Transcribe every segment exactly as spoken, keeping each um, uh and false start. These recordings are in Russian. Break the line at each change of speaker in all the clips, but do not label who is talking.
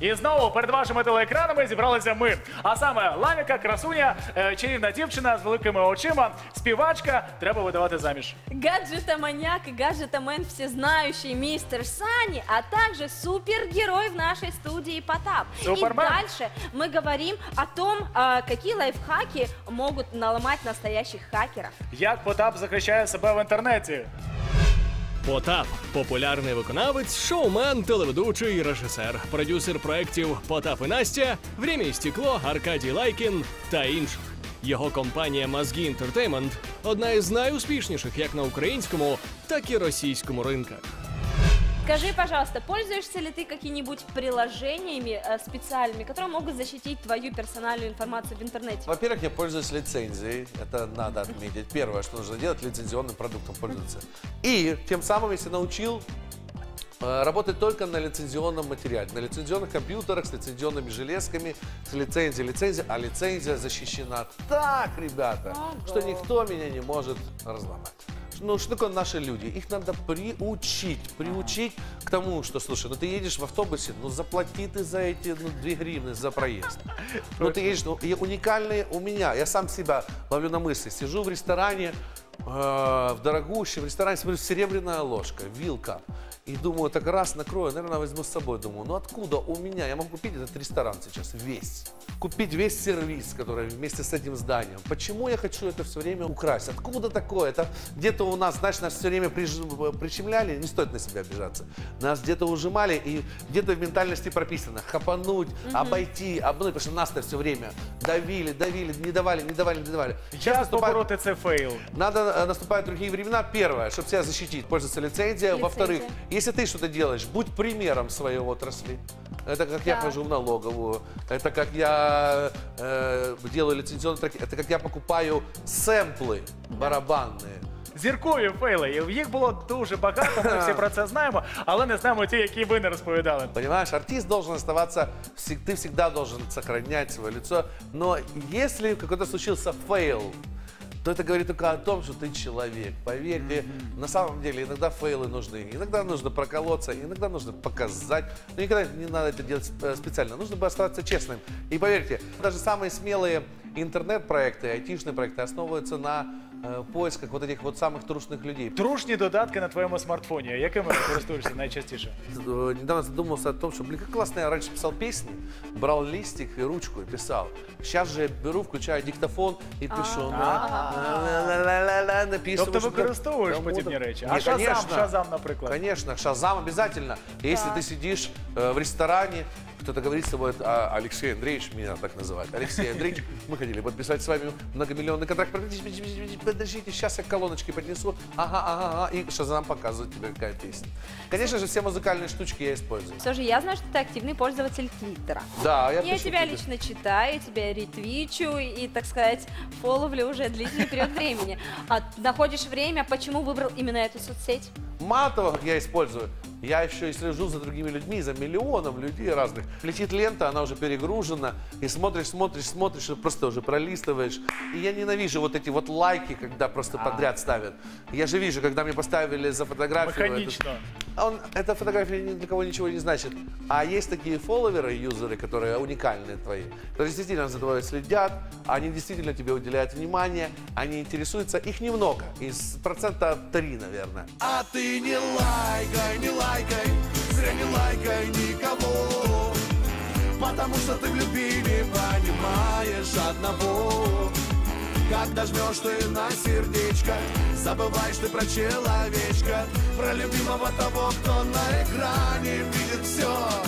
І знову перед вашими телеекранами зібралися ми. А саме Лавіка, красуня, е, чарівна дівчина з великими очима, співачка, треба видавати заміж.
Гаджетоманьяк и гаджетомен всезнающий мистер Сани, а также супергерой в нашей студии Потап.
Супермен.
И дальше мы говорим о том, а, какие лайфхаки могут наломать настоящих хакеров.
Як Потап захищає себе в інтернеті.
Потап – популярний виконавець, шоумен, телеведучий, режисер, продюсер проєктів «Потап і Настя», «Время і стекло», Аркадій Лайкін та інших. Його компанія «Мозги Інтертеймент» – одна із найуспішніших як на українському, так і російському ринках.
Скажи, пожалуйста, пользуешься ли ты какими-нибудь приложениями э, специальными, которые могут защитить твою персональную информацию в интернете?
Во-первых, я пользуюсь лицензией, это надо отметить. Первое, что нужно делать, лицензионным продуктом пользоваться. И тем самым я себя научил э, работать только на лицензионном материале, на лицензионных компьютерах, с лицензионными железками, с лицензией, лицензия, а лицензия защищена так, ребята,
Ого.
что никто меня не может разломать. Ну, что такое наши люди? Их надо приучить, приучить к тому, что, слушай, ну ты едешь в автобусе, ну заплати ты за эти ну, две гривны за проезд. Ну ты едешь, ну, и уникальные у меня, я сам себя ловлю на мысли, сижу в ресторане, э, в дорогущем ресторане, смотрю, серебряная ложка, вилка. И думаю, так раз накрою, наверное, возьму с собой. Думаю, ну откуда у меня? Я могу купить этот ресторан сейчас весь. Купить весь сервис, который вместе с этим зданием. Почему я хочу это все время украсть? Откуда такое? Это где-то у нас, знаешь, нас все время приж... прищемляли, не стоит на себя обижаться. Нас где-то ужимали и где-то в ментальности прописано хапануть, mm-hmm. обойти, обнуть, потому что нас-то все время давили, давили, не давали, не давали, не давали.
Сейчас наступает... побороти це фейл.
Надо, наступают другие времена. Первое, чтобы себя защитить, пользоваться лицензией. Во-вторых, если ты что-то делаешь, будь примером своей отрасли. Это как да. я хожу в налоговую, это как я э, делаю лицензионные треки, это как я покупаю сэмплы барабанные.
Зіркові фейли, їх було дуже багато, ми всі про це знаємо, але не знаємо ті, які ви не розповідали.
Понимаешь, артист должен оставаться, ты всегда должен сохранять свое лицо, но если какой-то случился фейл, то это говорит только о том, что ты человек. Поверьте, mm-hmm. на самом деле иногда фейлы нужны, иногда нужно проколоться, иногда нужно показать. Но никогда не надо это делать специально. Нужно бы оставаться честным. И поверьте, даже самые смелые интернет-проекты, айтишные проекты основываются на э, поисках вот этих вот самых трушных людей.
Трушні додатки на твоєму смартфоні. Якими користуєшся найчастіше?
Недавно задумался о том, что, блин, как классно я раньше писал песни, брал листик и ручку и писал. Сейчас же я беру, включаю диктофон и пишу.
Тобто використовуєш подібні речі? А Шазам, Шазам, наприклад?
Конечно, Шазам обязательно. Если ты сидишь в ресторане, кто-то говорит с тобой, а Алексей Андреевич, меня так называют, Алексей Андреевич, мы хотели подписать с вами многомиллионный контракт, подождите, сейчас я колоночки поднесу, ага, ага, ага, и Шазам показывает тебе, какая песня. Конечно же, все музыкальные штучки я использую.
Все же я знаю, что ты активный пользователь Твиттера.
Да, я
Я тебя
твиттер.
лично читаю, тебя ретвичу и, так сказать, фоловлю уже длительный период времени. А находишь время, почему выбрал именно эту соцсеть?
Мало того, как я использую, я еще и слежу за другими людьми, за миллионом людей разных. Летит лента, она уже перегружена, и смотришь, смотришь, смотришь, и просто уже пролистываешь. И я ненавижу вот эти вот лайки, когда просто а. подряд ставят. Я же вижу, когда мне поставили за фотографию...
Механично.
Этот, он, эта фотография ни для кого ничего не значит. А есть такие фолловеры, юзеры, которые уникальные твои, которые действительно за тобой следят, они действительно тебе уделяют внимание, они интересуются. Их немного, из процента три, наверное.
А ты не лайкай, не лайкай, зря не лайкай никого, потому что ты в любви не понимаешь одного. Когда жмешь ты на сердечко, забываешь ты про человечка, про любимого того, кто на экране видит все.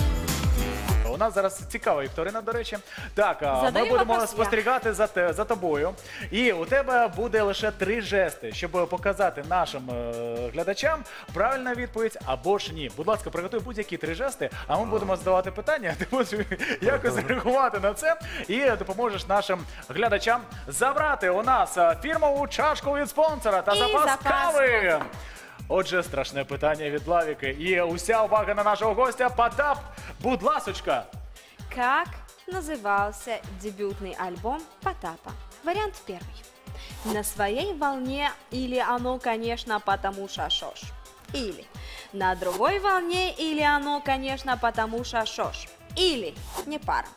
У нас зараз цікава вікторина, до речі. Так,
Задаю
ми будемо
вопрос
спостерігати за, те, за тобою. І у тебе буде лише три жести, щоб показати нашим е, глядачам правильну відповідь або ж ні. Будь ласка, приготуй будь-які три жести, а ми будемо задавати питання, ти будеш якось реагувати на це і допоможеш нашим глядачам забрати у нас фірмову чашку від спонсора та
І
запас
запас
кави.
спонсора.
Отже, страшне питання від Лавіки. І уся увага на нашого гостя. Потап, будь ласочка.
Как назывался дебютный альбом Потапа? Вариант первый. На своей волне или оно, конечно, потому шашош. Или на другой волне или оно, конечно, потому шашош. или не пара?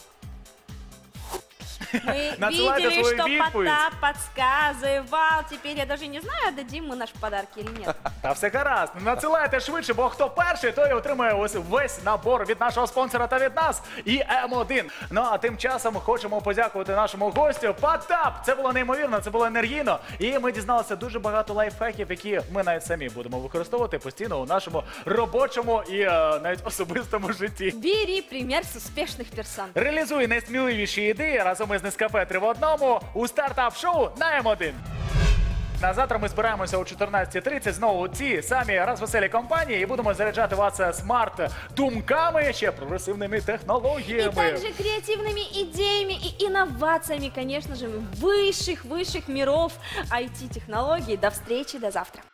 Мы
Надсылайте
видели,
свою
что
відповідь.
Потап подсказывал. Теперь я даже не знаю, отдадим мы наши подарки или нет.
Та все гаразд. Надсилайте швидше, бо хто перший, той отримає ось весь набор від нашого спонсора та від нас і М один. Ну а тим часом хочемо подякувати нашому гостю Потап. Це було неймовірно, це було енергійно. І ми дізналися дуже багато лайфхаків, які ми навіть самі будемо використовувати постійно у нашому робочому і е, навіть особистому житті.
Бери пример с успешных персон.
Реалізуй найсміливіші ідеї разом із Нескафе три в одному у стартап-шоу на М один. На завтра ми збираємося о чотирнадцятій тридцять знову у ці самі розвеселі компанії і будемо заряджати вас смарт-думками, ще прогресивними
И
технологіями.
также креативными идеями и инновациями, конечно же, высших-высших миров ай ти-технологий. До встречи, до завтра.